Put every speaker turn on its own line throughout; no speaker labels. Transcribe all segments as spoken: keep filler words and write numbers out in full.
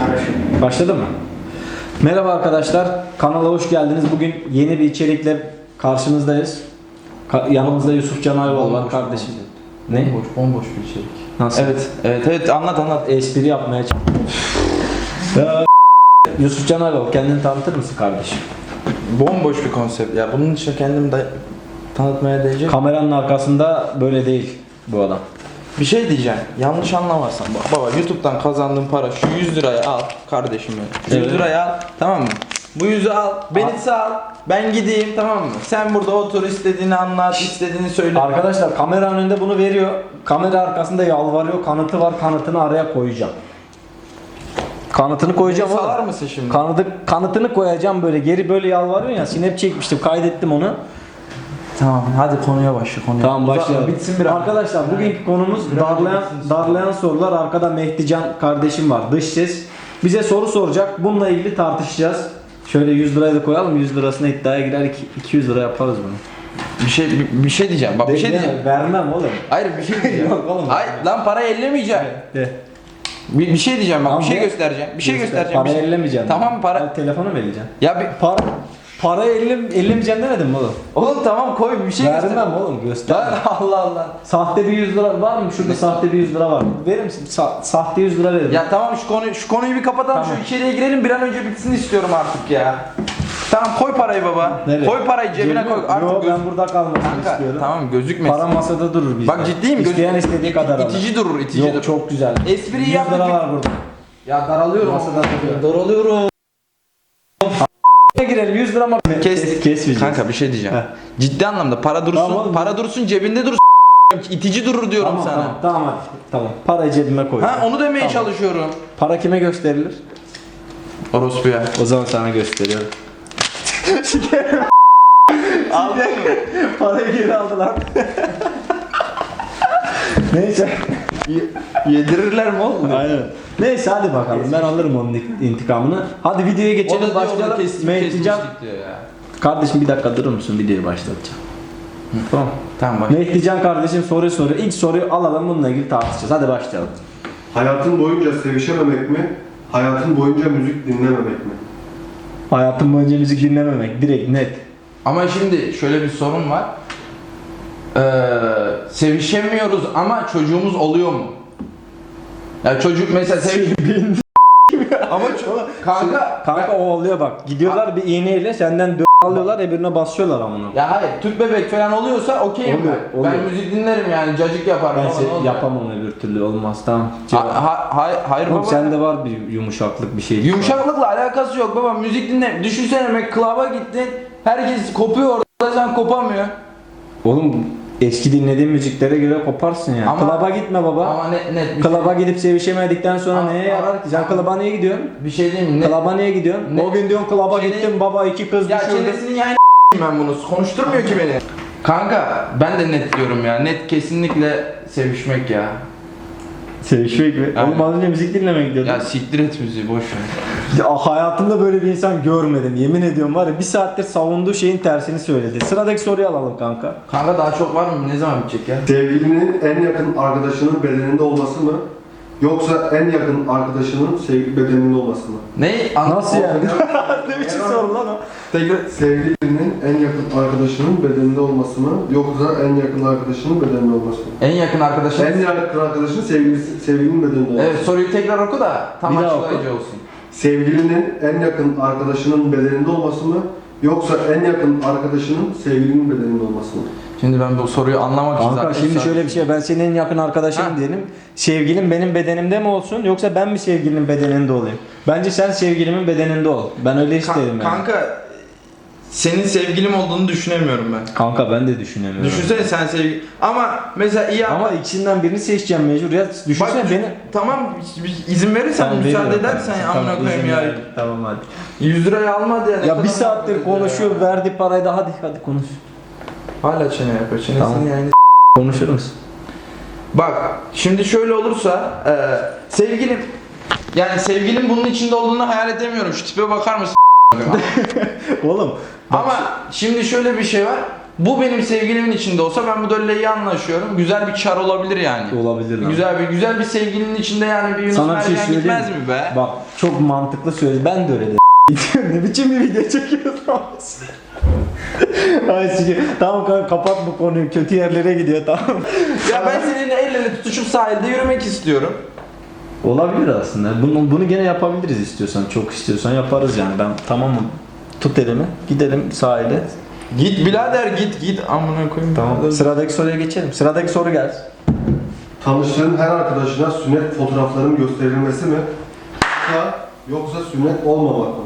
Başladı mı? Merhaba arkadaşlar, kanala hoş geldiniz. Bugün yeni bir içerikle karşınızdayız. Ka- yanımızda Yusuf Can Ayval var kardeşim. Ne?
Bomboş, bomboş bir içerik.
Nasıl?
Evet, evet, evet. Anlat, anlat.
Espri yapmaya çalışıyorum. Yusuf Can Ayval, kendini tanıtır mısın kardeşim?
Bomboş bir konsept. Ya bunun için kendimi de tanıtmaya değecek.
Kameranın arkasında böyle değil bu adam.
Bir şey diyeceğim. Yanlış anlamazsan. Bak baba, YouTube'dan kazandığın para şu yüz lirayı al kardeşim benim. Şu
Evet.
yüz lirayı al, tamam mı? Bu yüzü al, beni
Al.
sal. Ben gideyim, tamam mı? Sen burada otur, istediğini anlat, istediğini söyle.
Arkadaşlar kamera önünde bunu veriyor. Kamera arkasında yalvarıyor. Kanıtı var. Kanıtını araya koyacağım. Kanıtını koyacağım
Beni
oğlum.
salar mısın şimdi?
Kanıtı, kanıtını koyacağım böyle. Geri böyle yalvarıyor ya. Snap çekmiştim. Kaydettim onu.
Tamam, hadi konuya başla konuya.
Tamam
Uzatma,
başlayalım.
bitsin biraz.
Arkadaşlar bugünkü konumuz
Biraz
darlayan
bitsin.
darlayan sorular. Arkada Mehdican kardeşim var. Dış ses. Bize soru soracak. Bununla ilgili tartışacağız. Şöyle yüz lirayı da koyalım. yüz lirasına iddiaya girer. iki yüz lira yaparız bunu.
Bir şey bir, bir şey diyeceğim. Bak bir şey
Değil mi?
diyeceğim.
Vermem oğlum.
Hayır bir şey diyeceğim.
Yok oğlum.
Hayır lan parayı ellemeyeceğim.
De.
Bir, bir şey diyeceğim bak,
Tamam,
bir şey
de.
göstereceğim. Bir şey
Göster.
göstereceğim. bir
Parayı
şey-
ellemeyeceksin.
Tamam para.
Al, telefonu mu vereceksin?
Ya bir
Para parayı ellim, ellemeyeceksin demedim mi oğlum?
oğlum tamam koy bir şey göster.
Vermem oğlum göster.
Lan Allah Allah.
Sahte bir yüz lira var mı? Şurada sahte bir yüz lira var. Verir misin? Sa- sahte yüz lira veririm.
Ya tamam şu konuyu şu konuyu bir kapatalım.
Tamam.
Şu içeriye girelim, bir an önce bitsin istiyorum artık ya. Tamam koy parayı baba.
Nereye?
Koy parayı cebine
Cebime-
koy. Artık
Yo,
göz-
ben burada kalmasını
Kanka,
istiyorum.
tamam gözükmesin.
Para masada durur bizde.
Bak ciddiyim, göz-
İsteyen istediği kadar alır.
İtici durur, itici
Yok
durur.
çok güzel.
Espriyi
yüz
yaptık.
lira var burada.
Ya daralıyorum.
Masada duruyor.
Daralıyorum.
Ne girelim yüz lira mı?
Kes.
Kesmeyeceğiz.
Kanka bir şey diyeceğim.
Heh.
Ciddi anlamda para dursun,
Tamam oğlum.
para dursun cebinde dursun. İtici durur diyorum
Tamam,
sana.
tamam tamam hadi. Tamam. Parayı cebime koy.
Ha onu demeye
Tamam.
çalışıyorum.
Para kime gösterilir?
Orospuya.
O zaman sana gösteriyorum.
Aldın mı?
Parayı geri aldılar. Neyse.
Yedirirler mi oğlum?
Aynen. Neyse hadi bakalım ben alırım onun intikamını. Hadi videoya geçelim başlayalım. Mehdican.
diyor ya.
Kardeşim bir dakika durur musun? Videoyu başlatacağım. Tamam.
Tamam bak.
Mehdican kardeşim soru soruyor. İlk soruyu alalım bununla ilgili tartışacağız. Hadi başlayalım.
Hayatın boyunca sevişememek mi? Hayatın boyunca müzik dinlememek mi?
Hayatım boyunca müzik dinlememek. Direkt net.
Ama şimdi şöyle bir sorun var. Ee, sevişemiyoruz ama çocuğumuz oluyor mu? Ya çocuk mesela seviş... ama ço- kanka...
Kanka o oluyor bak. Gidiyorlar bir iğneyle senden dö alıyorlar öbürüne basıyorlar amına.
Ya hayır, tüp bebek falan oluyorsa okeyim
Oluyor,
ben.
oluyor.
Ben müzik dinlerim yani, cacık yaparım
Ben
falan,
se-
ne olur.
yapamam öbür türlü olmaz tamam.
Ha, ha, hayır, hayır
Oğlum
baba.
sende var bir yumuşaklık bir şey.
Yumuşaklıkla alakası yok baba, müzik dinle. Düşünsene McClub'a gittin, herkes kopuyor orada, sen kopamıyor.
Oğlum eski dinlediğin müziklere göre koparsın yani.
Ama-
Klaba gitme baba.
Ama net net bir,
Klaba gidip sevişemedikten sonra
Ama-
neye yarar ki? Sen klaba niye gidiyorsun?
bir şey diyeyim mi? Net.
Klaba niye gidiyorsun?
Ne?
O gün diyorsun klaba
Çene-
gittim baba iki kız
Ya
düşürdüm.
çenesinin yayını ben bunu, konuşturmuyor ki beni. Kanka ben de net diyorum ya, net kesinlikle sevişmek ya.
Sevişmek mi?
Aynen.
Oğlum az önce müzik dinlemeye gidiyordum.
Ya siktir et müziği, boş ver.
Ya, hayatımda böyle bir insan görmedim. Yemin ediyorum var ya bir saattir savunduğu şeyin tersini söyledi. Sıradaki soruyu alalım kanka.
Kanka daha çok var mı? Ne zaman bitecek ya?
Sevgilinin en yakın arkadaşının bedeninde olması mı? Yoksa en yakın arkadaşının sevgili bedeninde olması mı?
Ne? An-
Nasıl yani? Ne biçim soru lan o?
Tekrar.
Sevgilinin en yakın arkadaşının bedeninde olması mı? Yoksa en yakın arkadaşının bedeninde olması mı?
En yakın arkadaşın.
En yakın arkadaşının sevgilisi, sevgilinin bedeninde olması.
Evet, soruyu tekrar oku da tam
Bir daha
açıklayıcı
oku.
olsun.
Sevgilinin en yakın arkadaşının bedeninde olması mı? Yoksa en yakın arkadaşının sevgilinin bedeninde olması mı?
Şimdi ben bu soruyu anlamak için
Kanka
zaten
şimdi
saat-
şöyle bir şey ben senin en yakın arkadaşınım
Ha.
diyelim. Sevgilim benim bedenimde mi olsun yoksa ben mi sevgilinin bedeninde olayım? Bence sen sevgilimin bedeninde ol. Ben öyle
Ka-
isterim yani.
Kanka senin sevgilim olduğunu düşünemiyorum ben.
Kanka ben de düşünemiyorum.
Düşünsene sen sevgi... Ama mesela iyi
Ama ikisinden birini seçeceğim mecbur ya. Düşünsene
Bak,
beni.
Tamam izin verirsen,
Tamam,
müsaade
veriyorum.
edersen ya,
Tamam,
amına koyayım
izin
ya.
ver. Tamam hadi.
yüz lirayı almadı ya. ne
Ya
kadar
bir saattir
muhabbet ediyor
konuşuyor
ya.
verdi parayı da hadi hadi konuş.
Hala çene yapıyor. Çenesini
Tamam.
yani.
Konuşur musun?
Bak şimdi şöyle olursa e, sevgilim, yani sevgilim bunun içinde olduğunu hayal edemiyorum. Şu tipe bakar mısın?
Oğlum. bak
Ama şimdi şöyle bir şey var. Bu benim sevgilimin içinde olsa ben bu dölle iyi anlaşıyorum. Güzel bir çar olabilir yani.
Olabilir lan.
Güzel bir güzel bir sevgilinin içinde yani bir Yunus
Sana bir şey
Mercan
söyleyeyim
gitmez mi be?
Bak çok mantıklı söyle. Ben de öyle de ne biçim bir video çekiyorsun? Ay sikeyim. Tamam kanka kapat bu konuyu. Kötü yerlere gidiyor tamam.
Ya ben senin ellerini tutuşup sahilde yürümek istiyorum.
Olabilir aslında. Bunu, bunu gene yapabiliriz istiyorsan. Çok istiyorsan yaparız yani. Ben tamamım. Tut elimi. Gidelim sahile.
Git birader git git amına koyayım.
Tamam. Sıradaki soruya geçelim. Sıradaki soru gelsin.
Tanıştığın her arkadaşına sünnet fotoğraflarının gösterilmesi mi? Yoksa, yoksa sünnet olmamak mı?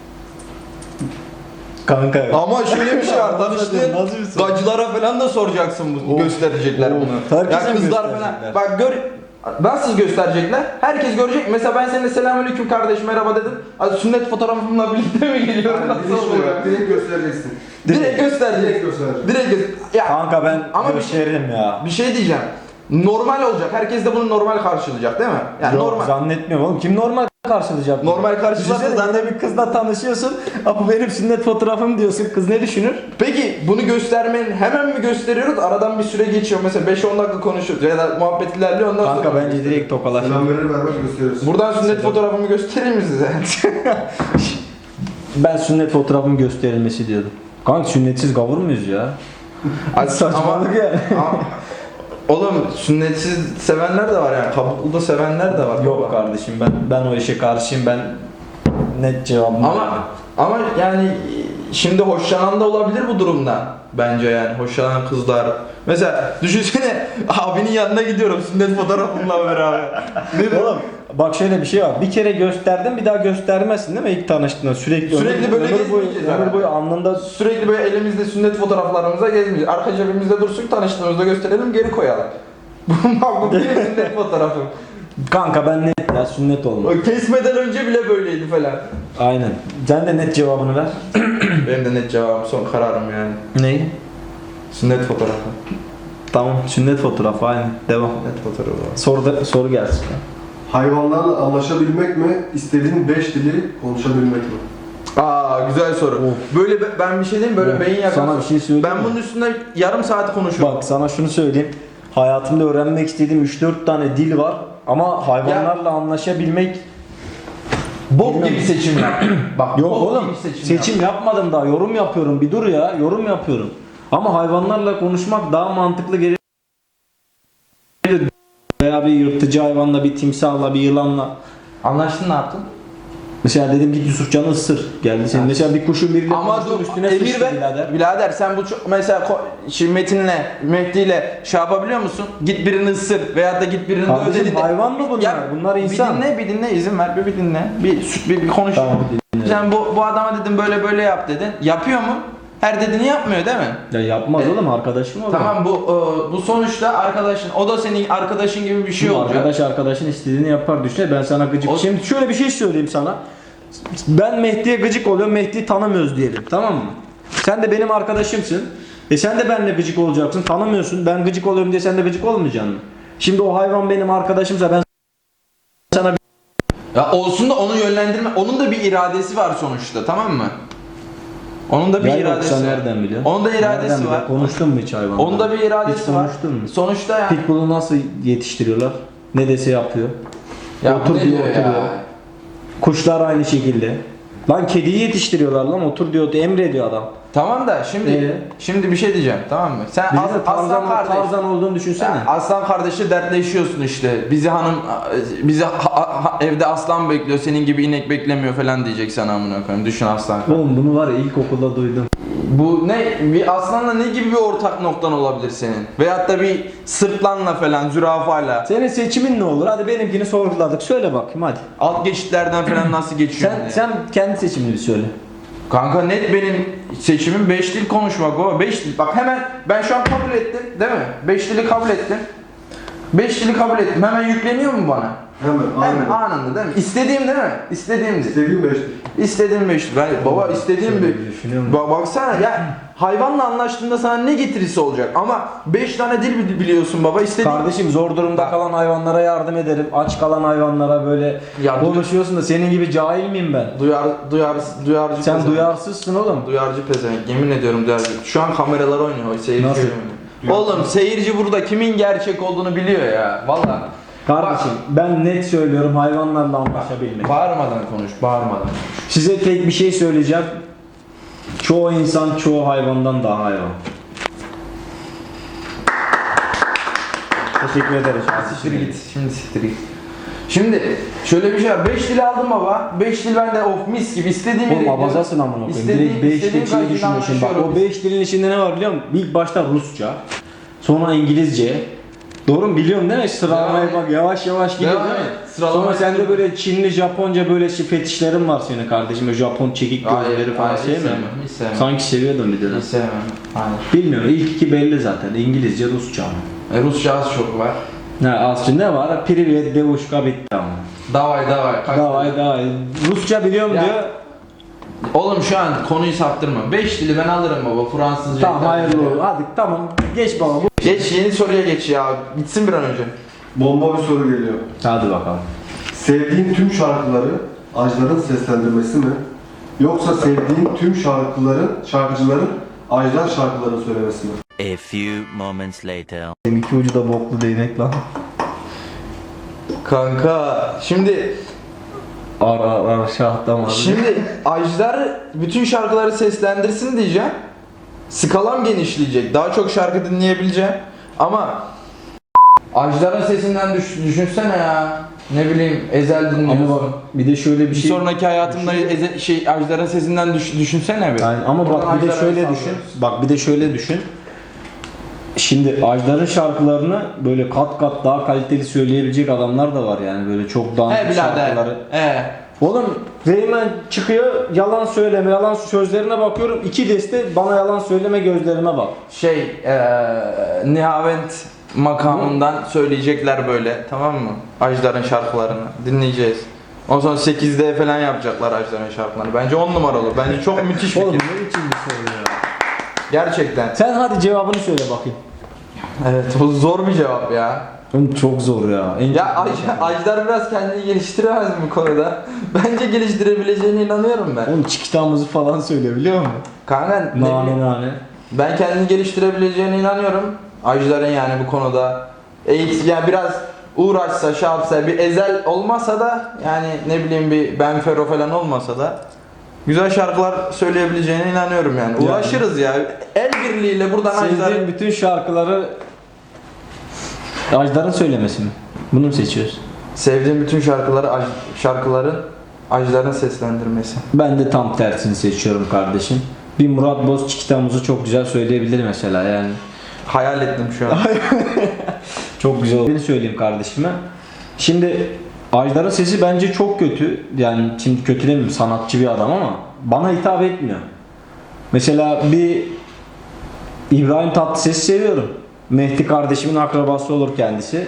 Kanka.
Ama şöyle bir şey var, tanıştığın
Nasıl bir soru?
gacılara falan da soracaksın bunu,
Of.
gösterecekler
Of.
bunu.
Herkese
Ya
mi
kızlar
gösterecekler?
falan, bak gör, nasıl gösterecekler? Herkes görecek. Mesela ben seninle selamünaleyküm kardeş merhaba dedim. Az sünnet fotoğrafımla birlikte mi geliyorum?
Yani
Nasıl
bilinç
oluyor?
olarak direkt göstereceksin.
Direkt gösterecek.
Direkt gösterecek.
Direkt göster. Ya
Kanka ben
Ama bir şey-
gösteririm ya.
bir şey diyeceğim. Normal olacak. Herkes de bunu normal karşılayacak değil mi? Yani
Yok,
normal.
zannetmiyorum oğlum. Kim normal karşılayacak?
Normal karşılarsa
Düşünsene
zaten-
zaten bir kızla tanışıyorsun. "Aa, bu benim sünnet fotoğrafım" diyorsun. Kız ne düşünür?
Peki bunu göstermenin hemen mi gösteriyoruz? Aradan bir süre geçiyor. Mesela beş on dakika konuşuyoruz ya da muhabbet ilerliyor ondan sonra.
Kanka bence direkt tokalaşın.
Selam verir vermez gösteriyorsun.
Buradan sünnet fotoğrafımı göstereyim mi size?
Ben sünnet fotoğrafımın gösterilmesi diyordum. Kanka sünnetsiz gavur muyuz ya?
Ay,
Saçmalık yani.
ama- Oğlum sünnetsiz sevenler de var yani. Kabuklu da sevenler de var.
Yok kardeşim ben ben o işe karşıyım. Ben net cevabım.
Ama ama yani şimdi hoşlanan da olabilir bu durumdan. Bence yani hoşlanan kızlar. Mesela düşünsene abinin yanına gidiyorum sünnet fotoğrafımla beraber. Ne
Oğlum bak şöyle bir şey var. Bir kere gösterdin bir daha göstermezsin değil mi ilk tanıştığında? Sürekli
Sürekli
ömür,
böyle
ömür boyu,
gezmeyeceğiz
ömür
herhalde.
boyu alnında
Sürekli böyle elimizde sünnet fotoğraflarımıza gezmeyeceğiz. Arka cebimizde dursun, tanıştığımızda gösterelim, geri koyalım. Bu bak bu benim sünnet fotoğrafım.
kanka ben net ya sünnet olma.
O kesmeden önce bile böyleydi falan.
Aynen. Sen de net cevabını ver.
Benim de net cevabım, son kararım yani.
Neyi?
Sünnet fotoğrafı.
Tamam sünnet fotoğrafı aynı. Devam.
Sünnet fotoğrafı.
Soru da, soru gelsin.
Hayvanlarla anlaşabilmek mi? İstediğin beş dili konuşabilmek mi?
Aa güzel soru.
Of.
Böyle be- ben bir şey diyeyim böyle
Of,
beyin yakar.
sana bir şey söyleyeyim
Ben
mi?
bunun üstünde yarım saat konuşurum.
Bak sana şunu söyleyeyim. Hayatımda öğrenmek istediğim üç dört tane dil var ama hayvanlarla anlaşabilmek
Bok
Bilmiyorum.
gibi seçim yap. Bak
yok
bok
oğlum.
gibi seçim,
Seçim
yap.
yapmadım daha. Yorum yapıyorum. Bir dur ya. Yorum yapıyorum. Ama hayvanlarla konuşmak daha mantıklı geliyor. Veya bir yırtıcı hayvanla, bir timsahla, bir yılanla.
Anlaştın ne yaptın?
Mesela dedim git Yusufcan'ı ısır. Geldi senin. Mesela bir kuşun biriyle
Ama
konuştun,
dur
üstüne
emir
sıçtı
ver.
birader.
Birader sen bu çok, mesela ko- şimdi Metin'le, Mehdi'yle şey yapabiliyor musun? Git birini ısır veyahut da git birini
Kardeşim,
döv dediğinde-
hayvan mı bunlar?
Ya,
Bunlar insan.
Bir dinle, bir dinle, izin ver, bir, bir dinle. Bir, bir, bir konuş.
Tamam, dinle.
Sen bu, bu adama dedim böyle böyle yap dedin. Yapıyor mu? Her dediğini yapmıyor değil mi?
Ya yapmaz
E,
oğlum arkadaşım o. zaman.
Tamam bu e, bu sonuçta arkadaşın, o da senin arkadaşın gibi bir şey
Şimdi
olacak.
arkadaş arkadaşın istediğini yapar düşüne ben sana gıcık.
O-
Şimdi şöyle bir şey söyleyeyim sana. Ben Mehdi'ye gıcık oluyorum. Mehdi'yi tanımıyoruz diyelim. Tamam mı? Sen de benim arkadaşımsın. E sen de benimle gıcık olacaksın. Tanımıyorsun. Ben gıcık oluyorum diye sen de gıcık olmayacaksın mı? Şimdi o hayvan benim arkadaşımsa ben sana bir
Ya olsun da onu yönlendirme, onun da bir iradesi var sonuçta, tamam mı? Onun da bir
Ya
iradesi
yoksa
var.
nereden biliyorsun?
Onun da iradesi
Nereden
var.
biliyorsun? Konuştun mu hiç hayvanla?
Onun da bir iradesi
Hiç
var.
konuştun mu?
Sonuçta yani.
Pitbull'u nasıl yetiştiriyorlar? Ne dese yapıyor.
Ya
Otur
bu ne
diyor,
diyor
oturuyor.
ya?
Kuşlar aynı şekilde. Lan kediyi yetiştiriyorlar lan otur diyor emrediyor adam.
Tamam da şimdi
Ee?
şimdi bir şey diyeceğim, tamam mı? Sen
Bir
as,
de
aslan
Tarzan,
kardeş.
Tarzan olduğunu düşünsene.
Ya, aslan kardeşi dertleşiyorsun işte. Bizi hanım bizi ha- ha- evde aslan bekliyor, senin gibi inek beklemiyor falan diyecek sana amına koyayım. Düşün aslan.
Oğlum bunu var ya ilkokulda duydum.
Bu ne, bir aslanla ne gibi bir ortak noktan olabilir senin? Veyahut da bir sırtlanla falan, zürafayla.
Senin seçimin ne olur? Hadi benimkini sorguladık. Söyle bakayım hadi.
Alt geçitlerden falan nasıl geçiyorsun
Sen
diye.
sen kendi seçimini bir söyle.
Kanka net benim seçimim beş dil konuşmak baba. beş dil. Bak hemen ben şu an kabul ettim değil mi? beş dili kabul ettim. beş dili kabul ettim. Hemen yükleniyor mu bana?
Hemen,
Hemen
aynen.
anında değil mi? İstediğim değil mi? İstediğim dil.
İstediğin beş dil.
İstediğim beş dil. Ben, baba istediğim
Şöyle
bir...
düşünüyorum.
Ba- baksana ya hayvanla anlaştığında sana ne getirisi olacak ama beş tane dil bi- biliyorsun baba istediğin...
Kardeşim zor durumda kalan hayvanlara yardım ederim. Aç kalan hayvanlara böyle
Ya,
konuşuyorsun da senin gibi cahil miyim ben?
Duyar, duyar, duyarcı
Sen
pezevenk.
duyarsızsın oğlum.
Duyarcı pezevenk. Yemin ediyorum duyarcı. Şu an kameralar oynuyor. Seyirci
Nasıl?
oynuyor. Oğlum seyirci burada kimin gerçek olduğunu biliyor ya. Vallahi.
Kardeşim ben net söylüyorum hayvanlarla anlaşabilmek.
Bağırmadan konuş, bağırmadan.
Size tek bir şey söyleyeceğim. Çoğu insan çoğu hayvandan daha hayvan. Teşekkür ederiz.
Siktir git, şimdi siktir git. Şimdi şöyle bir şey var. beş dil aldım baba. beş dil ben de of mis gibi istediğim yere
Oğlum
gidiyorum.
abazasın amına koyayım.
İstediğim-
Direkt beş
istediğim
dil içinde
kaydıyla
düşünüyorsun. Bak o
anlaşıyorum.
beş dilin içinde ne var biliyor musun? İlk başta Rusça. Sonra İngilizce. Doğru mu? Biliyorsun değil mi? Sıralamaya
Devam
bak yavaş yavaş gidiyor
Devam
değil mi?
et. Sıralama
Sonra sende
yapıyorum.
böyle Çinli, Japonca böyle şey fetişlerin var senin kardeşim. Böyle Japon çekik gözleri falan
hayır,
sevmiyor
hiç
musun?
sevmem, hiç sevmem.
Sanki seviyordun bir de.
Hiç sevmem. Hayır.
Bilmiyorum. İlk iki belli zaten. İngilizce, Rusça.
E, Rusça az çok var.
Ne aslında ne var? Privet, devuşka bitti ama.
Davay davay. Kaç
Davay davay. Rusça biliyorum
Ya,
diyor.
Oğlum şu an konuyu saptırma. beş dili ben alırım baba. Fransızca.
Tamam
İtalyanca.
hayırlı olsun. Hadi tamam. Geç baba. Bu.
Geç yeni soruya geç ya. Bitsin bir an önce.
Bomba bir soru geliyor.
Hadi bakalım.
Sevdiğin tüm şarkıları Ajdar'ın seslendirmesi mi? Yoksa sevdiğin tüm şarkıların, şarkıcıların Ajdar şarkılarını söylemesi mi?
A few moments later.
Seninki ucu da boklu değnek lan.
Kanka şimdi
Ar ar ar şahtam abi.
Şimdi Ajdar bütün şarkıları seslendirsin diyeceğim. Skalam genişleyecek. Daha çok şarkı dinleyebileceğim. Ama Ajdar'ın sesinden düş, düşünsene ya. Ne bileyim Ezel dinliyorsun.
Ama bak bir de şöyle bir
bir
şey.
sonraki hayatımda Ezel, şey Ajdar'ın sesinden düş, düşünsene bir.
Yani ama
Buradan
bak bir de
Ajdar'a
şöyle
sallıyoruz.
düşün. Bak bir de şöyle düşün. Şimdi Ajdar'ın şarkılarını böyle kat kat daha kaliteli söyleyebilecek adamlar da var yani böyle çok
He
dandik
birader.
şarkıları.
He.
Oğlum Reymen çıkıyor yalan söyleme yalan sözlerine bakıyorum iki deste bana yalan söyleme gözlerime bak.
Şey eee Nihavent makamından söyleyecekler böyle, tamam mı? Ajdar'ın şarkılarını dinleyeceğiz. Ondan sonra sekizde falan yapacaklar Ajdar'ın şarkılarını. Bence on numara olur. Bence çok müthiş
Oğlum
fikir.
ne biçim bir soru ya.
Gerçekten.
Sen hadi cevabını söyle bakayım.
Evet, bu zor bir cevap ya.
Oğlum çok zor ya. En
Ya
çok-
Aj- Ajdar biraz kendini geliştiremez mi bu konuda? Bence geliştirebileceğine inanıyorum ben.
Oğlum çikitamızı falan söyle biliyor musun?
Kanka ne
Nane
bileyim,
nane.
ben kendini geliştirebileceğine inanıyorum. Ajdar'ın yani bu konuda. Eğit, ya biraz uğraşsa, şey yapsa, bir Ezel olmasa da yani ne bileyim bir Benfero falan olmasa da güzel şarkılar söyleyebileceğine inanıyorum yani.
Yani.
Uğraşırız ya. El birliğiyle buradan
Sevdiğin
Ajdar'ın...
bütün şarkıları Ajdar'ın söylemesi mi? Bunu mu seçiyoruz?
Sevdiğim bütün şarkıları, Aj- şarkıların Ajdar'ın seslendirmesi.
Ben de tam tersini seçiyorum kardeşim. Bir Murat Boz çikitamızı çok güzel söyleyebilir mesela yani.
Hayal ettim şu an.
Çok güzel olduğunu söyleyeyim kardeşime. Şimdi Ajdar'ın sesi bence çok kötü. Yani şimdi kötü demeyeyim sanatçı bir adam ama bana hitap etmiyor. Mesela bir İbrahim Tatlıses'i seviyorum. Mehdi kardeşimin akrabası olur kendisi.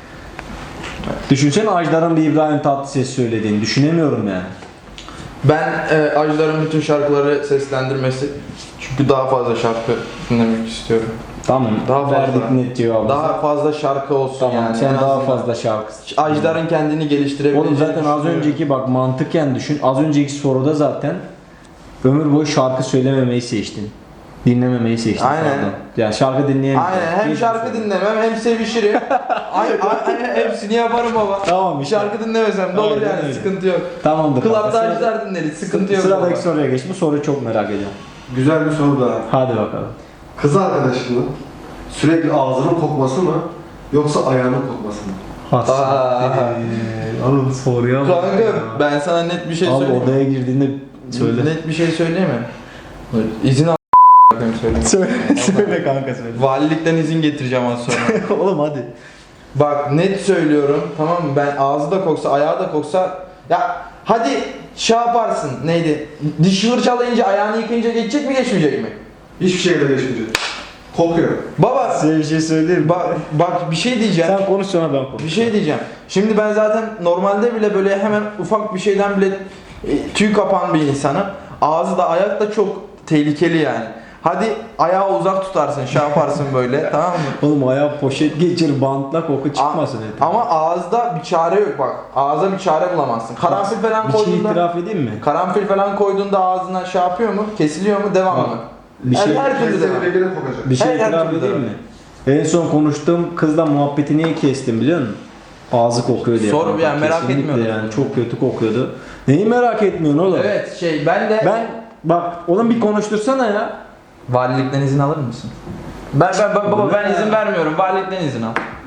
Düşünsene Ajdar'ın bir İbrahim Tatlıses söylediğini düşünemiyorum yani.
Ben e, Ajdar'ın bütün şarkıları seslendirmesi çünkü daha fazla şarkı dinlemek istiyorum.
Tamam.
Daha fazla.
Verdik net cevabı.
Daha fazla şarkı olsun
tamam.
yani.
Sen
en
daha
azından.
fazla şarkı.
Ajdar'ın kendini geliştirebileceğini
Oğlum zaten az
düşünüyorum.
önceki bak mantıken düşün. Az önceki soruda zaten ömür boyu şarkı söylememeyi seçtin. Dinlememeyi seçtin.
Aynen.
pardon. Yani şarkı dinleyemeyeceksin.
Aynen, hem
Hiç-
şarkı dinlemem hem sevişirim. ay, ay, ay, hepsini yaparım baba.
Tamam işte.
Şarkı dinlemesem de olur
Aynen
yani,
öyle.
sıkıntı yok.
Tamamdır.
Klapta
kanka. Sıra-
Ajdar dinleriz, sıkıntı yok
Sıradaki
baba.
soruya geç. Bu soruyu çok merak ediyorum.
Güzel bir soru daha.
Hadi bakalım.
Kız arkadaşının sürekli ağzının kokması mı? Yoksa ayağının kokması mı?
Aa.
Oğlum soruya bak
Kanka
ya.
ben sana net bir şey
Abi
söyleyeyim.
odaya girdiğinde söyle.
Net bir şey söyleyeyim mi? İzin al söyleyeyim.
Söyle, söyle kanka söyle.
Valilikten izin getireceğim az sonra.
Oğlum hadi.
Bak net söylüyorum, tamam mı? Ben ağzı da koksa, ayağı da koksa, ya hadi şey yaparsın, neydi? Diş fırçalayınca, ayağını yıkayınca geçecek mi, geçmeyecek mi?
Hiçbir şekilde geçmeyecek. Kokuyor.
Baba
Size bir şey söyleyeyim mi?
bak bak bir şey diyeceğim.
Sen konuş sonra ben konuş.
Bir şey diyeceğim. Şimdi ben zaten normalde bile böyle hemen ufak bir şeyden bile e, tüy kapan bir insanım. Ağzı da ayak da çok tehlikeli yani. Hadi ayağı uzak tutarsın, şey yaparsın böyle, tamam mı?
Oğlum ayağa poşet geçir, bantla koku çıkmasın.
A- ama ağızda bir çare yok bak. Ağza bir çare bulamazsın. Karanfil falan
Bir şey
koyduğunda
itiraf edeyim mi?
karanfil falan koyduğunda ağzına şey yapıyor mu? Kesiliyor mu? Devam
Bak,
mı?
bir
her,
şey-
her türlü devam.
Kesinlikle gene kokacak.
Bir şey
Her- her
itiraf
türlü
edeyim
devam.
mi? En son konuştuğum kızla muhabbeti niye kestim biliyor musun? Ağzı kokuyor diye.
Sor,
kanka.
yani merak
Kesinlikle
etmiyordum.
yani çok kötü kokuyordu. Neyi merak etmiyorsun oğlum?
Evet şey ben de
Ben bak oğlum bir konuştursana ya.
valilikten izin alır mısın? Ben ben ben- baba ben izin vermiyorum. Valilikten izin al.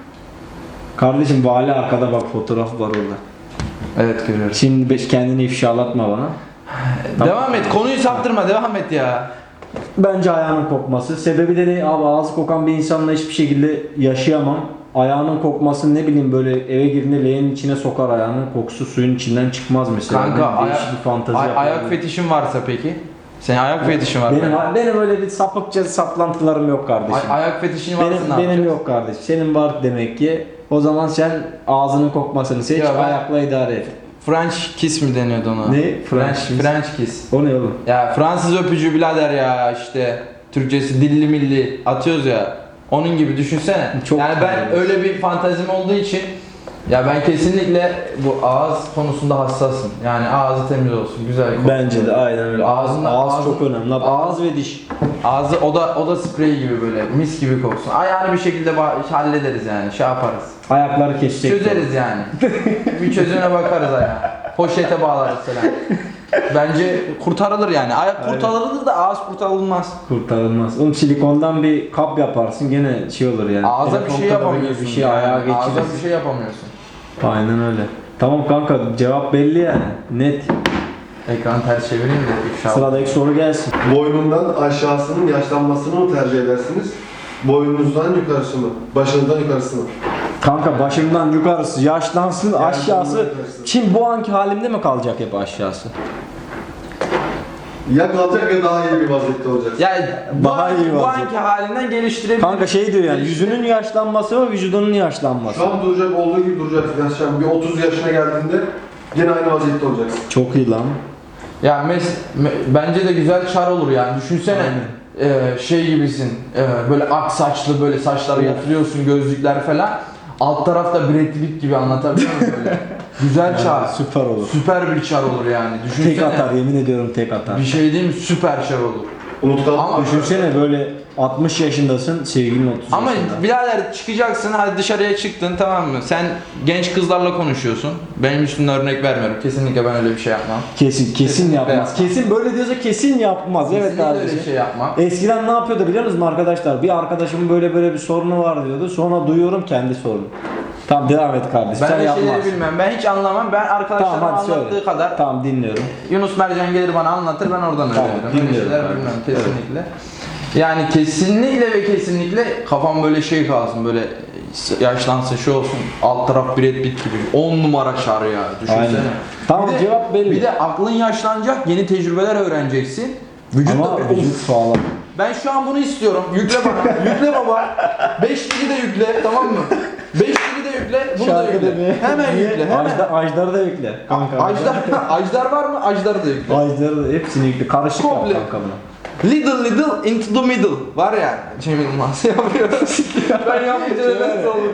Kardeşim vali arkada bak fotoğraf var orada.
Evet görüyorum.
Şimdi be- kendini ifşalatma bana.
Devam et. Konuyu saptırma. Devam et ya.
Bence ayağının kokması. Sebebi de ne? Abi ağzı kokan bir insanla hiçbir şekilde yaşayamam. Ayağının kokması ne bileyim böyle eve girdiğinde leğenin içine sokar ayağının kokusu suyun içinden çıkmaz mesela.
Kanka
Ben
ayak,
değişik bir fantazi
ay-
yaparım.
ayak fetişin varsa peki? Senin ayak fetişin var mı?
Benim, benim öyle bir sapıkça saplantılarım yok kardeşim.
Ay- ayak fetişin varsa
benim,
ne
benim
yapacaksın?
yok kardeşim. Senin var demek ki. O zaman sen ağzının kokmasını seç,
Ya ben-
ayakla idare et.
French kiss mi deniyordu ona?
Ne?
French,
French kiss.
French kiss.
O ne oğlum?
Ya Fransız öpücüğü birader ya işte. Türkçesi dilli milli atıyoruz ya. Onun gibi düşünsene.
Çok
yani ben
güzel.
öyle bir fantazim olduğu için ya ben kesinlikle bu ağız konusunda hassasım. Yani ağzı temiz olsun, güzel koksun.
Bence de aynen öyle.
Ağzında-
ağız
ağzın-
çok önemli. Abi. Ağız ve diş.
Ağzı o da o da sprey gibi böyle mis gibi koksun. Ayağını bir şekilde ba- hallederiz yani şey yaparız.
Ayakları kesecek.
Çözeriz yani. Bir çözüne bakarız ayağa. Poşete bağlarız falan. Bence kurtarılır yani. Ayak
Aynen.
kurtarılır da ağız kurtarılmaz.
Kurtarılmaz. Oğlum silikondan bir kap yaparsın gene şey olur yani.
Ağza bir
Telefon
şey
kapağı gibi
yapamıyorsun.
Bir şey
yani.
ayağa
Ağza
geçirirsin.
bir şey yapamıyorsun.
Aynen öyle. Tamam kanka cevap belli yani. Net.
Ekranı ters çevireyim de ifşa.
Sıradaki soru gelsin.
Boynundan aşağısının yaşlanmasını mı tercih edersiniz? Boynunuzdan yukarısı mı? Başınızdan yukarısı mı?
Kanka başımdan yukarısı yaşlansın aşağısı.
yukarısı.
Şimdi bu anki halimde mi kalacak hep aşağısı?
Ya kalacak ya daha iyi bir vaziyette olacaksın.
Yani bu,
Daha
anki,
iyi
bu
vaziyet.
anki halinden geliştirebilir.
Kanka şey diyor yani yüzünün yaşlanması mı vücudunun yaşlanması?
Şu an duracak olduğu gibi duracaksın. Yani şu an bir otuz yaşına geldiğinde yine aynı vaziyette olacaksın.
Çok iyi lan.
Ya mes, me- bence de güzel çar olur yani. Düşünsene e, şey gibisin. e, böyle ak saçlı böyle saçları yatırıyorsun gözlükler falan. Alt tarafta Brad Pitt gibi anlatabiliyor muyum böyle? Güzel çar.
Süper olur.
Süper bir çar olur yani. Düşünsene.
Tek atar yemin ediyorum tek atar.
Bir şey değil mi? Süper çar olur.
Unutkan.
Ama
Düşünsene böyle altmış yaşındasın sevgilin otuz
Ama
yaşında.
birader çıkacaksın hadi dışarıya çıktın tamam mı? Sen genç kızlarla konuşuyorsun. Benim üstümden örnek vermiyorum. Kesinlikle ben öyle bir şey yapmam.
Kesin kesin
Kesinlikle
yapmaz.
yapmaz.
Kesin böyle diyorsa kesin yapmaz. Evet
Kesinlikle öyle
kardeşim.
bir şey yapmam.
Eskiden ne yapıyordu biliyor musunuz arkadaşlar? Bir arkadaşımın böyle böyle bir sorunu var diyordu. Sonra duyuyorum kendi sorunu. Tamam devam et kardeşim.
Ben
Sen
de
yapmazsın.
şeyleri bilmem. Ben hiç anlamam. Ben arkadaşlarıma
Tamam hadi
anlattığı
söyle.
kadar
Tamam dinliyorum.
Yunus Mercan gelir bana anlatır ben oradan
Tamam,
öğrenirim. Öyle
dinliyorum
şeyler
ben.
bilmem kesinlikle. Yani kesinlikle ve kesinlikle kafam böyle şey kalsın böyle yaşlansın şey olsun alt taraf Brad Pitt gibi on numara çar ya düşünsene.
Aynen. Tamam,
Bir de-
cevap belli.
Bir de aklın yaşlanacak yeni tecrübeler öğreneceksin. Vücut
Ama
da
vücut sağlam.
ben şu an bunu istiyorum. Yükle bana. Yükle baba. beş kili de yükle tamam mı? beş kili de yükle. Bunu da
Şarkı
yükle.
demeye.
Hemen
Niye?
yükle. Hemen.
Ajdar, Ajdar'ı da yükle. Kanka.
Ajdar, Ajdar var mı? Ajdar'ı da yükle.
Ajdar'ı da hepsini yükle. Karışık yap
Komple.
kanka buna.
Little little into the middle. Var ya Cem Yılmaz yapıyor. Ben yapınca nasıl olur?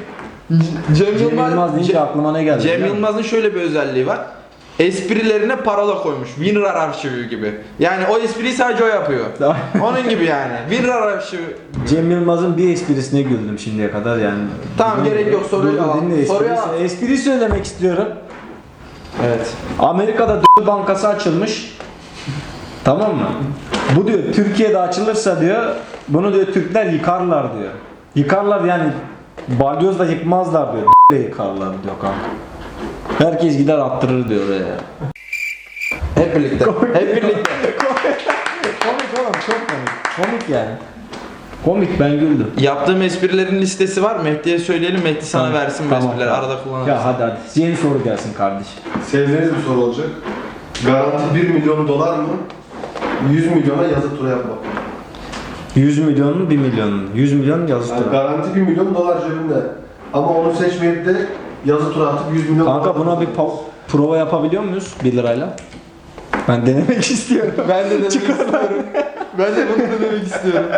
Cem
Cem Yılmaz deyince
Cem,
aklıma ne geldi?
Cem
biliyor musun?
Yılmaz'ın şöyle bir özelliği var. Esprilerine parola koymuş. Winrar arşivi gibi. Yani o espriyi sadece o yapıyor. Onun gibi yani. Winrar arşivi.
Cem Yılmaz'ın bir esprisine güldüm şimdiye kadar yani.
Tamam,
Dinle-
gerek yok, soruyu
Dur, dur,
alalım.
dinle,
Soruyu
esprisi-
al.
Espriyi söylemek istiyorum.
Evet.
Amerika'da d- bankası açılmış. Tamam mı? Bu diyor Türkiye'de açılırsa diyor bunu diyor Türkler yıkarlar diyor. Yıkarlar yani balyozla yıkmazlar diyor. D- yıkarlar diyor kanka. Herkes gider attırır diyor oraya.
Hep birlikte. Hep birlikte.
Komik oğlum çok komik. Komik yani. Komik ben güldüm.
Yaptığım esprilerin listesi var. Mehdi'ye söyleyelim. Mehdi sana
Tamam,
versin bu
tamam,
esprileri.
tamam.
Arada kullanırız.
Ya hadi hadi. Yeni soru gelsin kardeşim.
Sevdiğiniz bir soru olacak. Garanti bir milyon dolar mı? yüz milyona yazı tura yapmak.
yüz milyon mu bir milyon mu? yüz milyon yazı
Yani
tura.
garanti bir milyon dolar cebinde. Ama onu seçmeyip de yazı tura atıp yüz milyon
Kanka
dolar
buna bir pa- prova yapabiliyor muyuz bir lirayla? Ben denemek istiyorum.
Ben de denemek istiyorum. Ben de bunu denemek istiyorum.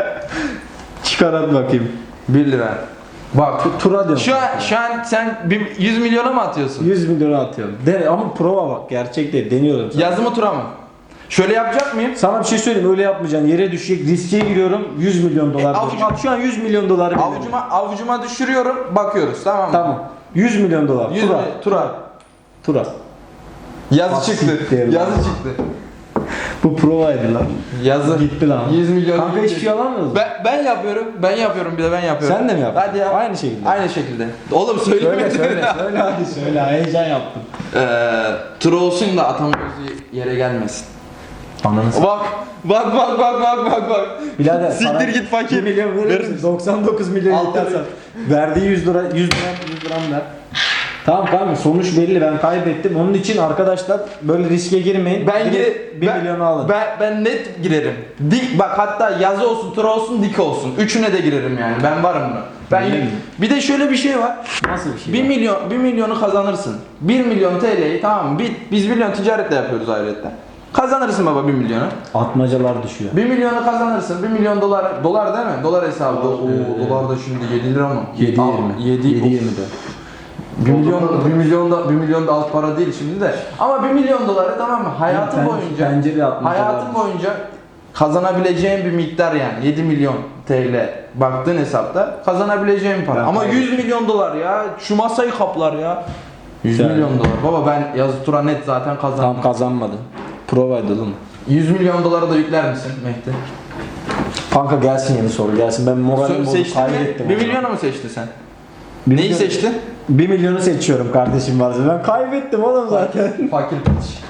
Çıkar hadi bakayım.
bir lira. Bak.
Tu- Tura diyorum.
Şu an, şu an sen bir yüz milyona mı atıyorsun?
yüz milyona atıyorum. Dene, ama prova bak gerçek değil. Deniyorum sana.
Yazı mı tura mı? Şöyle yapacak mıyım?
Sana bir şey söyleyeyim öyle yapmayacaksın. Yere düşecek riske giriyorum. yüz milyon dolar.
E, avucum-
Bak şu an yüz milyon dolar. veriyorum.
Avucuma avucuma düşürüyorum, bakıyoruz, tamam mı?
Tamam. yüz milyon dolar.
yüz
Tura.
mi- tura.
Tura.
Yazı
Bak,
çıktı.
siktir lan.
Yazı çıktı.
Bu provaydı lan.
Yazı.
Gitti lan.
yüz milyon.
Kanka
gitti.
hiçbir şey alamıyoruz.
Ben, ben yapıyorum. Ben yapıyorum bir de ben yapıyorum.
Sen de mi yaptın?
Hadi yap.
Aynı şekilde.
Aynı şekilde. Oğlum söylemedin.
Söyle söyle söyle hadi söyle. Heyecan yaptım.
Eee tur olsun da atamıyoruz yere gelmesin.
Ananı s***.
Bak bak bak bak bak bak bak.
Birader
Siktir
para-
git fakir.
bir milyon verir
Verir
misin?
misin?
doksan dokuz milyon
Altı
yeter
bin.
sana. Verdiği yüz lira yüz gram yüz gram ver. Tamam kanka sonuç belli ben kaybettim. Onun için arkadaşlar böyle riske girmeyin.
Ben
Direkt
gire,
bir
ben,
milyonu alın.
Ben, ben net girerim. Dik bak hatta yazı olsun, tur olsun, dik olsun. Üçüne de girerim yani. Ben varım buna. Ben
Öyle mi?
bir de şöyle bir şey var.
Nasıl bir şey?
bir
var?
milyon bir milyonu kazanırsın. bir milyon T L'yi tamam mı? Biz, biz milyon ticaretle yapıyoruz ayrıca. Kazanırsın baba bir milyonu.
Atmacalar düşüyor.
bir milyonu kazanırsın. bir milyon dolar dolar değil mi? Dolar hesabı.
Dolar,
Oo,
evet.
dolar da şimdi yedi lira mı?
yedi
Al,
yirmi.
yedi
yedi yirmi de.
bir milyon bir milyon da bir milyon da alt para değil şimdi de. Ama bir milyon doları tamam mı? Hayatın
Pen-
boyunca
pencere atmacalar
hayatın
düşüyor.
boyunca kazanabileceğin bir miktar yani yedi milyon T L baktığın hesapta kazanabileceğin para.
Ben
Ama
kaybettim.
yüz milyon dolar ya şu masayı kaplar ya. yüz
Yani.
milyon dolar. Baba ben yazı tura net zaten kazandım.
Tam kazanmadı. Provaydı oğlum.
yüz milyon doları da yükler misin Mehdi?
Kanka gelsin yeni soru gelsin. Ben moralim
Sö-
bozuk
Seçtin mi?
kaybettim.
bir
onu.
milyonu mu seçtin sen?
Bir
Neyi
milyon-
seçtin?
bir milyonu seçiyorum kardeşim varsa. Ben kaybettim oğlum zaten.
Fakir piç.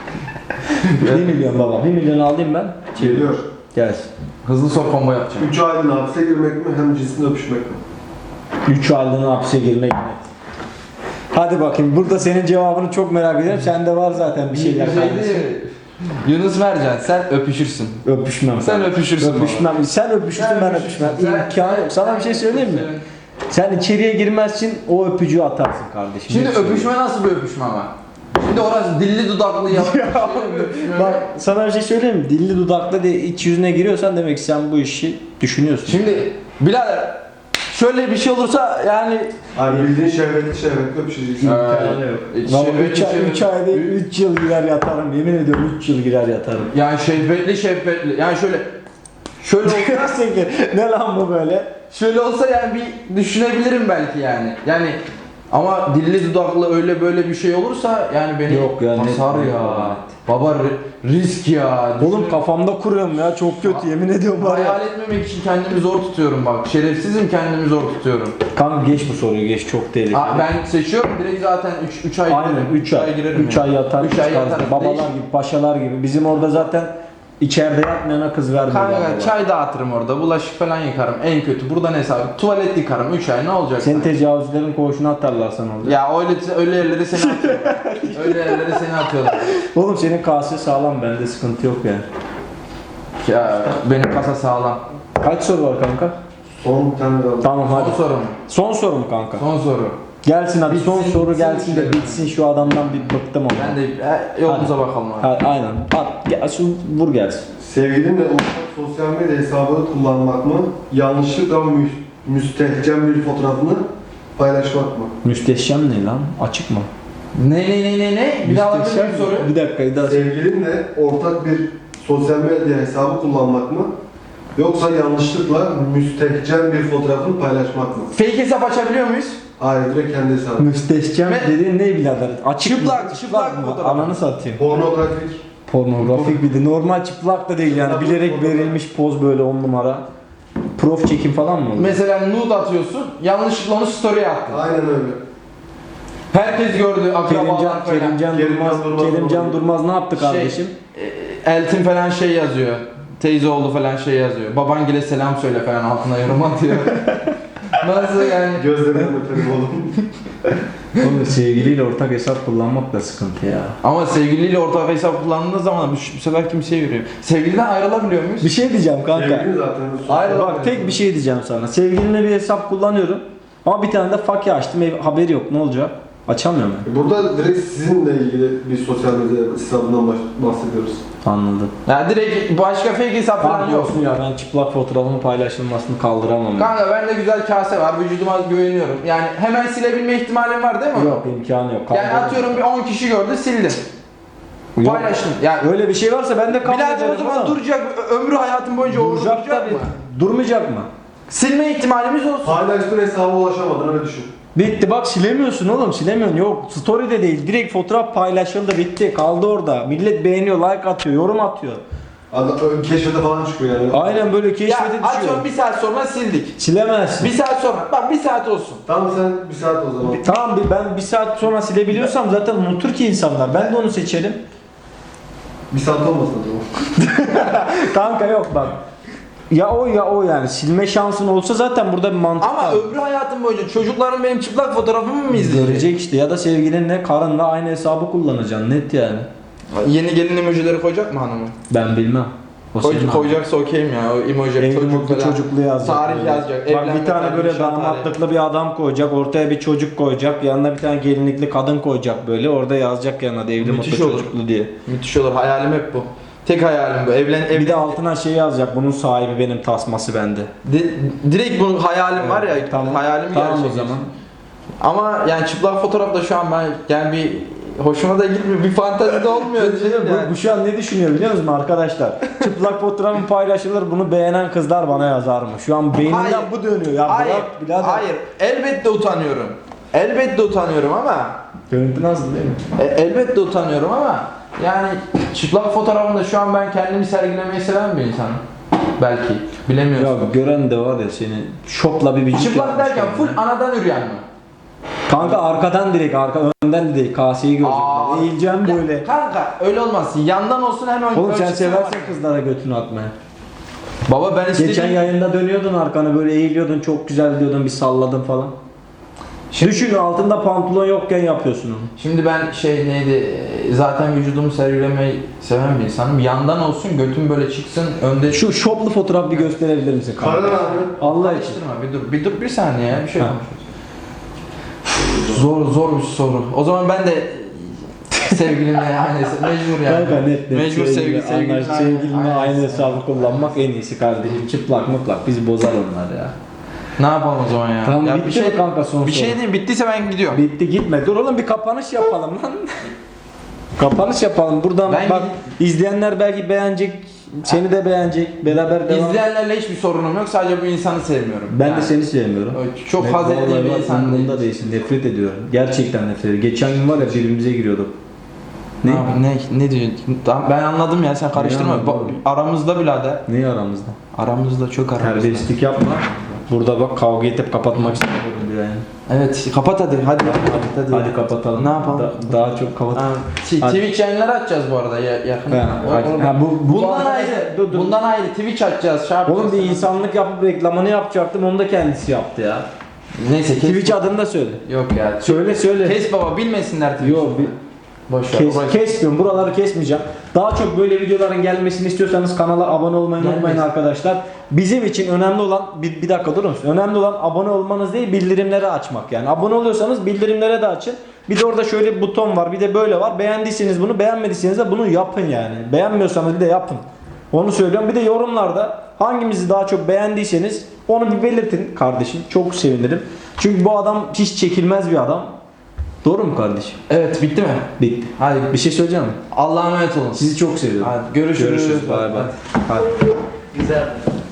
bir milyon baba. bir milyon alayım ben.
Geliyor.
Gelsin.
Hızlı sor combo yapacağım.
üç aylığına hapse girmek mi hem cinsinde öpüşmek mi?
üç aylığına hapse girmek mi? Hadi bakayım. Burada senin cevabını çok merak ediyorum. Sende var zaten bir şeyler. kardeşim.
Yunus Mercan sen öpüşürsün.
Öpüşmem.
Sen öpüşürsün
Öpüşmem. Sen öpüşürsün ben öpüşmem. İmkanı yok. Sana bir şey söyleyeyim mi? Sen içeriye girmezsin o öpücüğü atarsın kardeşim.
Şimdi
Net söylüyorum.
öpüşme nasıl bir öpüşme ama? Şimdi orası dilli dudaklı yalan. öpüşme.
Bak sana bir şey söyleyeyim mi? Dilli dudaklı diye iç yüzüne giriyorsan demek ki sen bu işi düşünüyorsun.
Şimdi birader şöyle bir şey olursa yani
Hani bildiğin şehvetli şehvetli öpüşeceksin.
İmkanı yok.
Şehvetli,
3 ay,
şehvetli.
üç ayda üç yıl girer yatarım. Yemin ediyorum üç yıl girer yatarım.
yani şehvetli şehvetli yani şöyle şöyle olsa
Nasıl ki? Ne lan bu böyle?
şöyle olsa yani bir düşünebilirim belki yani. Yani ama dilli dudaklı öyle böyle bir şey olursa yani beni
Yok ya, net-
basar
net
ya.
baba.
Baba ri- risk ya.
Oğlum
Düşün-
kafamda kuruyorum ya çok kötü yemin ediyorum var ya.
Hayal etmemek için kendimi zor tutuyorum bak. Şerefsizim kendimi zor tutuyorum.
Kanka geç bu soruyu geç çok tehlikeli.
Aa, ben seçiyorum direkt zaten üç ay
Aynen
girerim.
üç ay.
girerim.
üç
yani.
ay yatar
üç ay
çıkarsın.
yatarım.
Babalar
Değiş-
gibi paşalar gibi. Bizim orada zaten içeride yatmayana kız vermiyorlar.
Kanka
baba.
çay dağıtırım orada, bulaşık falan yıkarım. En kötü buradan hesap. Tuvalet yıkarım üç ay ne olacak?
Senin
sana?
tecavüzlerin koğuşuna atarlar sana orada.
Ya öyle öyle yerlere seni atıyorlar. öyle yerlere seni atıyorlar.
Oğlum senin kase sağlam bende sıkıntı yok yani.
Ya benim kasa sağlam.
Kaç soru var kanka?
Son bir tane daha.
Tamam hadi.
Son soru mu?
Son soru mu kanka?
Son soru.
Gelsin hadi
Bitsin,
son soru
bitsin,
gelsin de
bitsin.
bitsin şu adamdan bir bıktım ama.
Ben de e, yolumuza bakalım abi.
Ha, aynen. At, gel, şu vur gelsin.
Sevgilinle ortak sosyal medya hesabını kullanmak mı? Yanlışlıkla mü müstehcen bir fotoğrafını paylaşmak mı?
Müsteşem ne lan? Açık mı?
Ne ne ne ne ne? Bir daha alabilir miyim soruyu?
Bir dakika bir daha.
Sevgilinle ortak bir sosyal medya hesabı kullanmak mı? Yoksa yanlışlıkla müstehcen bir fotoğrafını paylaşmak mı?
Fake hesap açabiliyor muyuz?
Hayır, direkt kendi hesabı.
Müsteşem
Ve-
dediğin ne birader? Açık
Çıplak,
mı?
çıplak
mı?
fotoğraf.
Ananı satayım.
Pornografik.
Pornografik bir de normal çıplak da değil yani
Çıplak
bilerek
fotoğraf.
verilmiş poz böyle on numara. Prof çekim falan mı oluyor?
Mesela nude atıyorsun, yanlışlıkla onu story'e attın.
Aynen öyle.
Herkes gördü, akrabalar
Kerimcan,
falan.
Kerimcan
Kerimcan
Durmaz,
Durmaz
Kerimcan
oldu.
Durmaz ne yaptı kardeşim?
E, Eltin falan şey yazıyor. Teyze oğlu falan şey yazıyor. Babangile selam söyle falan altına yorum atıyor. Nasıl yani?
Gözlerinden öperim oğlum.
Oğlum sevgiliyle ortak hesap kullanmak da sıkıntı ya.
Ama sevgiliyle ortak hesap kullandığınız zaman bu, bu sefer kimseye yürüyor. Sevgiliden ayrılabiliyor muyuz?
Bir şey diyeceğim kanka.
Sevgili zaten.
Hayır,
Bak tek bir şey diyeceğim sana. Sevgilimle bir hesap kullanıyorum. Ama bir tane de fakir açtım. Ev, haberi yok. Ne olacak? Açamıyorum ben.
Burada direkt sizinle ilgili bir sosyal medya hesabından baş- bahsediyoruz.
Anladım.
Yani direkt başka fake hesap falan
Tamam
yok.
olsun ya, ben çıplak fotoğrafımın paylaşılmasını kaldıramam.
Kanka bende güzel kase var, vücuduma güveniyorum. Yani hemen silebilme ihtimalim var değil mi?
Yok, imkanı yok.
Yani
Kaldıramam.
atıyorum bir on kişi gördü, sildim.
Yok.
Paylaştım. Yani
Öyle bir şey varsa ben de kabul
birader
ederim.
o zaman
ama.
duracak, ömrü hayatım boyunca orada
Duracak
duracak
tabii.
mı?
Durmayacak mı?
Silme ihtimalimiz olsun.
Paylaştığın hesaba ulaşamadın öyle düşün.
Bitti bak, silemiyorsun oğlum, silemiyorsun. Yok, story de değil, direkt fotoğraf paylaşıldı, bitti, kaldı orada. Millet beğeniyor, like atıyor, yorum atıyor.
Adam keşfete falan çıkıyor yani.
Aynen böyle
Ya
keşfete düşüyor.
atıyorum bir saat sonra sildik.
Silemezsin.
Bir saat sonra, bak bir saat olsun.
Tamam sen bir saat o zaman.
Tamam, bir- ben bir saat sonra silebiliyorsam zaten unutur ki insanlar. Ben de onu seçerim.
Bir saat olmasın o zaman.
Kanka yok bak. Ya o ya o yani. Silme şansın olsa zaten burada bir mantık
Ama
var.
ömrü hayatım boyunca çocukların benim çıplak fotoğrafımı mı izleyecek?
Görecek işte, ya da sevgilinle, karınla aynı hesabı kullanacaksın, net yani.
Yeni gelin emojileri koyacak mı hanımı?
Ben bilmem. O
Koy,
senin
koyacaksa okeyim ya. O emoji
Evli
çocuk
mutlu
falan.
çocuklu yazacak.
Tarih
böyle.
yazacak.
Bak
evlenme
bir tane
tarihi,
böyle
nişan tarihi.
damatlıklı bir adam koyacak. Ortaya bir çocuk koyacak. Yanına bir tane gelinlikli kadın koyacak böyle. Orada yazacak yanına da evli
Müthiş
mutlu
olur.
çocuklu diye.
Müthiş olur. Hayalim hep bu. Tek hayalim bu. Evlen, evlen.
Bir de altına şey yazacak. Bunun sahibi benim, tasması bende.
Di- direkt bu hayalim var ya.
Tamam.
Hayalimi
Tamam o
gerçekleştirdim.
zaman.
Ama yani çıplak fotoğrafta şu an ben yani bir hoşuma da gitmiyor. Bir fantezi de olmuyor.
Bu,
yani.
bu şu an ne düşünüyor biliyor musun arkadaşlar? Çıplak fotoğrafım paylaşılır, bunu beğenen kızlar bana yazar mı? Şu an beynimden
Hayır.
bu dönüyor ya.
Hayır.
Bırak birader.
Hayır. Elbette utanıyorum. Elbette utanıyorum ama
Görüntü nasıl değil mi?
E, elbette utanıyorum ama yani çıplak fotoğrafımda şu an ben kendimi sergilemeyi seven bir insanım. Belki. Bilemiyorsun.
Ya gören de var ya seni şopla bir vücut
Çıplak
yapmış
derken full
kendine.
anadan üreyen mi?
Kanka arkadan direkt, arka önden de değil, kaseyi görecekler.
Aa,
Eğileceğim
ya
böyle.
Kanka öyle olmasın. Yandan olsun hemen.
Oğlum sen
ölçüsüne
seversen
bak.
kızlara götünü atmaya.
Baba ben istedim.
Geçen yayında dönüyordun arkanı böyle eğiliyordun, çok güzel diyordun, bir salladın falan.
Şimdi-
Düşün, altında pantolon yokken yapıyorsun onu.
Şimdi ben şey neydi e, zaten vücudumu sergilemeyi seven bir insanım. Yandan olsun götüm böyle çıksın önde.
Şu şoplu fotoğraf bir gösterebilir misin kanka?
Kardan abi.
Allah için.
Karıştırma bir dur. Bir dur bir saniye ya bir şey
Ha.
konuşuyoruz. Zor zor bir soru. O zaman ben de sevgilimle yani mecbur yani.
Kanka net net.
Mecbur sevgi
sevgili,
sevgilimle
anlaş- sevgilinle aynı hesabı kullanmak en iyisi kardeşim. Çıplak mıplak bizi bozar onlar ya.
Ne yapalım o zaman ya?
Tamam,
ya
bitti mi kanka son
Bir
soru?
şey değil bittiyse ben gidiyorum.
Bitti, gitme. Dur oğlum, bir kapanış yapalım lan. Kapanış yapalım. Buradan
Ben
bak, izleyenler belki beğenecek, seni de beğenecek. Beraber devam.
İzleyenlerle hiçbir sorunum yok. Sadece bu insanı sevmiyorum.
Ben
Yani
de seni sevmiyorum.
Çok
Ve
haz ettiğim
vallahi
bir
bak,
insan değil.
umurumda değilsin. Nefret ediyorum. Gerçekten nefret ediyorum. Geçen gün var ya, birbirimize giriyorduk. Ne?
Ne? Ne, ne diyor? Tamam, ben anladım ya sen karıştırma.
anladın
Ba-
oğlum?
aramızda birader.
Ne aramızda?
Aramızda çok aramızda.
Terbiyesizlik yapma. Burada bak, kavga edip kapatmak istemiyorum bir yani.
Evet kapat hadi. Hadi.
Hadi, hadi kapatalım.
Ne yapalım?
Da- daha çok kapat.
Ha, T-
Hadi.
Twitch yayınları açacağız bu arada ya, yakın.
Ha,
O-
hadi.
oğlum,
Ha, bu- bu
bundan
arkadaş-
ayrı.
Dur, dur.
Bundan ayrı Twitch açacağız. Şey yapacağız.
Oğlum bir insanlık yapıp reklamını yapacaktım, onu da kendisi yaptı ya.
Neyse kes.
Twitch adını da söyle.
Yok ya.
Söyle söyle.
Kes baba bilmesinler Twitch.
Yok, bir
Boş ver.
kes,
Uğraş-
kesmiyorum. Buraları kesmeyeceğim. Daha çok böyle videoların gelmesini istiyorsanız kanala abone olmayı
Gelmesin.
unutmayın arkadaşlar. Bizim için önemli olan, bir, bir dakika durur musun? Önemli olan abone olmanız değil, bildirimleri açmak yani. Abone oluyorsanız bildirimlere de açın. Bir de orada şöyle bir buton var, bir de böyle var. Beğendiyseniz bunu, beğenmediyseniz de bunu yapın yani. Beğenmiyorsanız bir de yapın. Onu söylüyorum. Bir de yorumlarda hangimizi daha çok beğendiyseniz onu bir belirtin kardeşim. Çok sevinirim. Çünkü bu adam hiç çekilmez bir adam. Doğru mu kardeşim?
Evet bitti mi?
Bitti.
Hadi
Bir şey söyleyeceğim mi?
Allah'a emanet olun.
Sizi çok seviyorum.
Hadi görüşürüz.
Görüşürüz. Bay bay. Hadi.
Güzel.